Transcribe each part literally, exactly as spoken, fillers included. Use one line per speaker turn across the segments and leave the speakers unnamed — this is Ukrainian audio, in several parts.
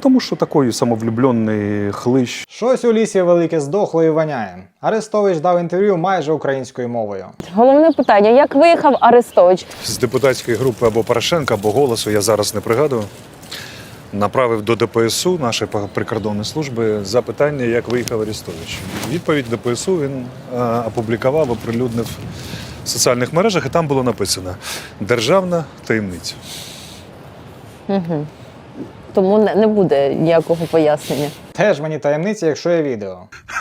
тому що такий самовлюблений хлищ.
Щось у лісі велике здохло і воняє. Арестович дав інтерв'ю майже українською мовою.
Головне питання, як виїхав Арестович?
З депутатської групи або Порошенка, або «Голосу», я зараз не пригадую, направив до ДПСУ, нашої прикордонної служби, запитання, як виїхав Арестович. Відповідь ДПСУ він а, опублікував, оприлюднив в соціальних мережах, і там було написано «Державна таємниця».
Угу. Тому не, не буде ніякого пояснення.
Теж мені таємниця, якщо є відео.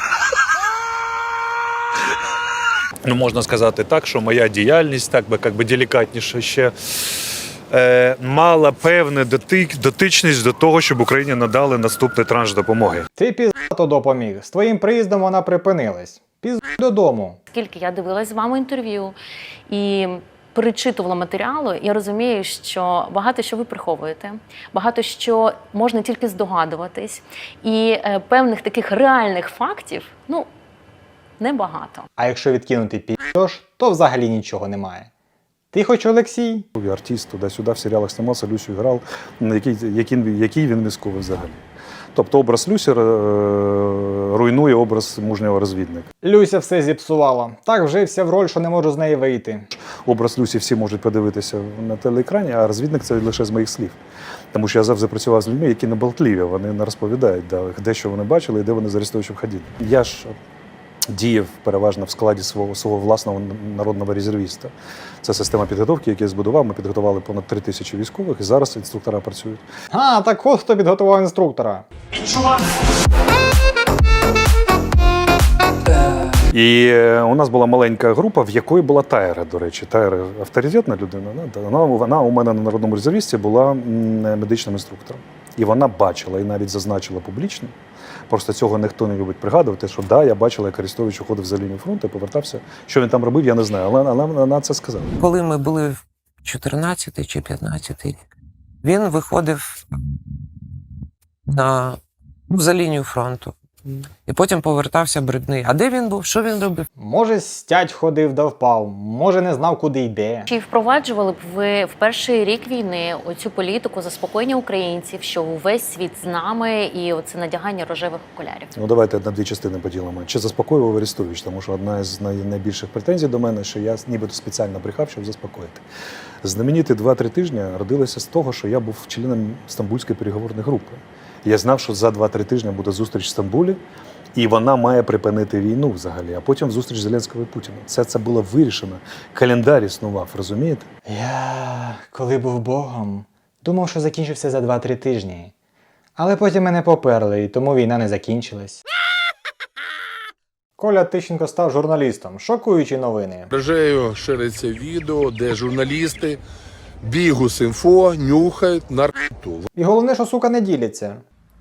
Ну, можна сказати так, що моя діяльність, так би, як би делікатніше, ще е, мала певну дотик, дотичність до того, щоб Україні надали наступний транш допомоги.
Ти піздато допоміг. З твоїм приїздом вона припинилась. Пізд додому.
Скільки я дивилась з вами інтерв'ю і перечитувала матеріалу, я розумію, що багато що ви приховуєте, багато що можна тільки здогадуватись, і е, певних таких реальних фактів, ну, небагато.
А якщо відкинути піздьош, то взагалі нічого немає. Ти хоч Олексій?
Артист туди-сюди в серіалах знімався, Люсю грав, який, який, який він військовий взагалі. Тобто образ Люсі руйнує образ мужнього розвідника.
Люся все зіпсувала. Так вжився в роль, що не можу з неї вийти.
Образ Люсі всі можуть подивитися на телеекрані, а розвідник – це лише з моїх слів. Тому що я завжди працював з людьми, які не болтливі, вони не розповідають, де що вони бачили і де вони з Арестовичем ходили. Я ж діяв переважно в складі свого, свого власного народного резервіста. Це система підготовки, яку я збудував. Ми підготували понад три тисячі військових, і зараз інструктора працюють.
А, так от хто підготував інструктора.
І у нас була маленька група, в якої була Тайра, до речі. Тайра авторитетна людина. Вона, вона у мене на народному резервісті була медичним інструктором. І вона бачила, і навіть зазначила публічно. Просто цього ніхто не любить пригадувати, що да, я бачила, як Арестович уходив за лінію фронту і повертався. Що він там робив, я не знаю, але, але вона це сказала.
Коли ми були в чотирнадцятий чи п'ятнадцятий рік, він виходив на, ну, за лінію фронту. І потім повертався брудний. А де він був? Що він робив?
Може, стять ходив да впав, може не знав, куди йде.
Чи впроваджували б ви в перший рік війни оцю політику заспокоєння українців, що увесь світ з нами, і оце надягання рожевих окулярів?
Ну, давайте на дві частини поділимо. Чи заспокоював Арестович? Тому що одна з найбільших претензій до мене, що я нібито спеціально брехав, щоб заспокоїти. Знамениті два-три тижні родилися з того, що я був членом Стамбульської переговорної групи. Я знав, що за два-три тижні буде зустріч в Стамбулі, і вона має припинити війну взагалі, а потім зустріч Зеленського і Путіна. Це, це було вирішено. Календар існував, розумієте?
Я, коли був Богом, думав, що закінчився за два-три тижні. Але потім мене поперли, і тому війна не закінчилась. Коля Тищенко став журналістом. Шокуючі новини.
Мережею шириться відео, де журналісти Бігус.Інфо нюхають наркоту.
І головне, що, сука, не діляться.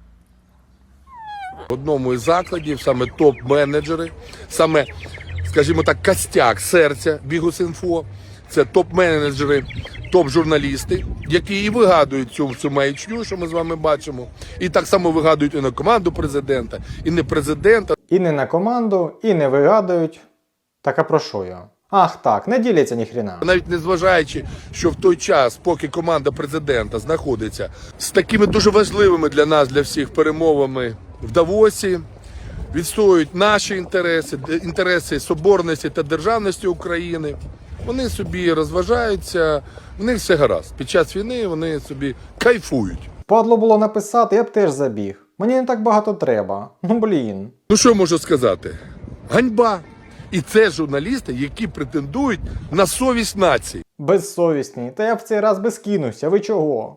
В одному із закладів саме топ-менеджери, саме, скажімо так, костяк серця Бігус.Інфо, це топ-менеджери, топ-журналісти, які і вигадують цю, цю маячню, що ми з вами бачимо, і так само вигадують і на команду президента, і не президента.
І не на команду, і не вигадують. Так а про що я? Ах так, не діляться ніхрена.
Навіть не зважаючи, що в той час, поки команда президента знаходиться з такими дуже важливими для нас, для всіх перемовами в Давосі, відстоюють наші інтереси, інтереси соборності та державності України, вони собі розважаються, в них все гаразд. Під час війни вони собі кайфують.
Падло було написати, я б теж забіг. Мені не так багато треба. Ну блін.
Ну що можу сказати? Ганьба! І це журналісти, які претендують на совість нації.
Безсовісні. Та я в цей раз безкинуся. Ви чого?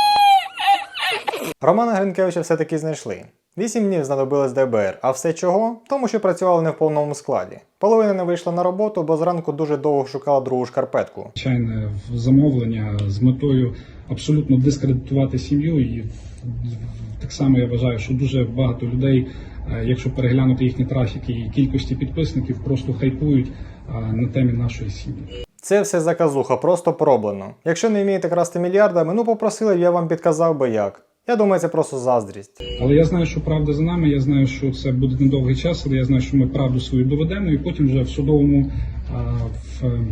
Романа Гринкевича все-таки знайшли. Вісім днів знадобилось ДБР. А все чого? Тому що працювали не в повному складі. Половина не вийшла на роботу, бо зранку дуже довго шукала другу шкарпетку.
Звичайне замовлення з метою абсолютно дискредитувати сім'ю. І так само я вважаю, що дуже багато людей, якщо переглянути їхні трафіки і кількості підписників, просто хайпують на темі нашої сім'ї.
Це все заказуха, просто пороблено. Якщо не вмієте красти мільярдами, ну попросили, я вам підказав би як. Я думаю, це просто заздрість.
Але я знаю, що правда за нами, я знаю, що це буде недовгий час, але я знаю, що ми правду свою доведемо, і потім вже в судовому, в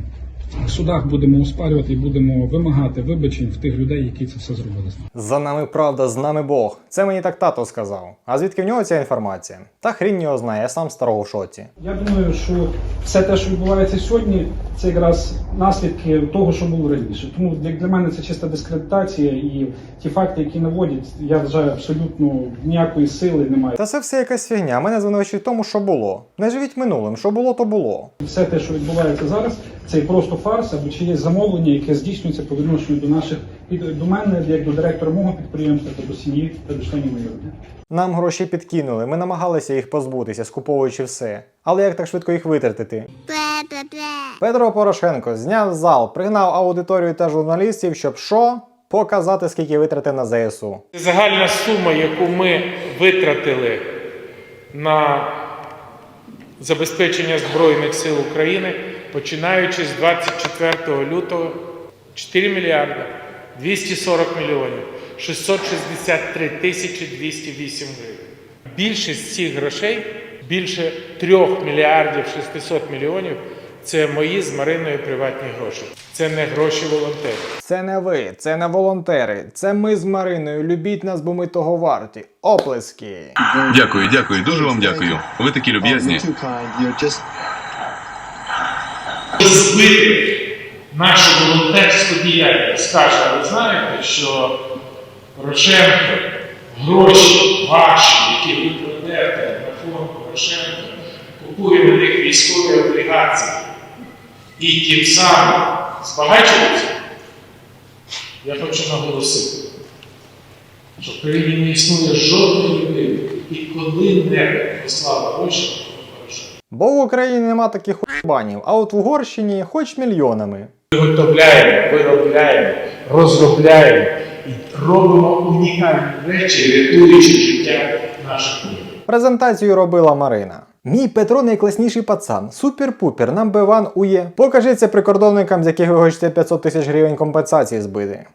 В судах будемо оспарювати і будемо вимагати вибачень в тих людей, які це все зробили.
За нами правда, з нами Бог. Це мені так тато сказав. А звідки в нього ця інформація? Та хрінь його знає, я сам старого в шоці.
Я думаю, що все те, що відбувається сьогодні, це якраз наслідки того, що було раніше. Тому як для мене це чиста дискредитація, і ті факти, які наводять, я вважаю, абсолютно ніякої сили немає.
Та це все якась фігня. Мене звинувачують в тому, що було. Не живіть минулим, що було, то було.
Все те, що відбувається зараз, це просто фарс або чиєсь замовлення, яке здійснюється по відношенню до наших до мене, як до директора мого підприємства, та до сім'ї та до членів моєї родини.
Нам гроші підкинули, ми намагалися їх позбутися, скуповуючи все. Але як так швидко їх витратити? Петро Порошенко зняв зал, пригнав аудиторію та журналістів, щоб що? Показати, скільки витратив на зе ес у.
Загальна сума, яку ми витратили на забезпечення Збройних сил України, починаючи з двадцять четвертого лютого, чотири мільярди двісті сорок мільйонів шістсот шістдесят три тисячі двісті вісім гривень. Більшість цих грошей, більше трьох мільярдів шістсот мільйонів, це мої з Мариною приватні гроші. Це не гроші волонтерів.
Це не ви, це не волонтери, це ми з Мариною. Любіть нас, бо ми того варті. Оплески!
Дякую, дякую, дуже вам дякую. Ви такі люб'язні.
Збити нашу волонтерську діяльність. Скаже, ви знаєте, що Порошенко, гроші ваші, які ви кладете на фонд Порошенко, купує на них військові облігації і тим самим збагачується? Я хочу наголосити, що в країні не існує жодної людини, і коли-небудь послала гроші на Порошенка.
Бо в Україні нема таких хуйбанів, а от в Угорщині хоч мільйонами.
Виготовляємо, виробляємо, розробляємо і робимо унікальні речі, рятуючи життя наших людей.
Презентацію робила Марина. Мій Петро найкласніший пацан. Супер-пупер, number one ує. Покажи це прикордонникам, з яких ви хочете п'ятсот тисяч гривень компенсації збити.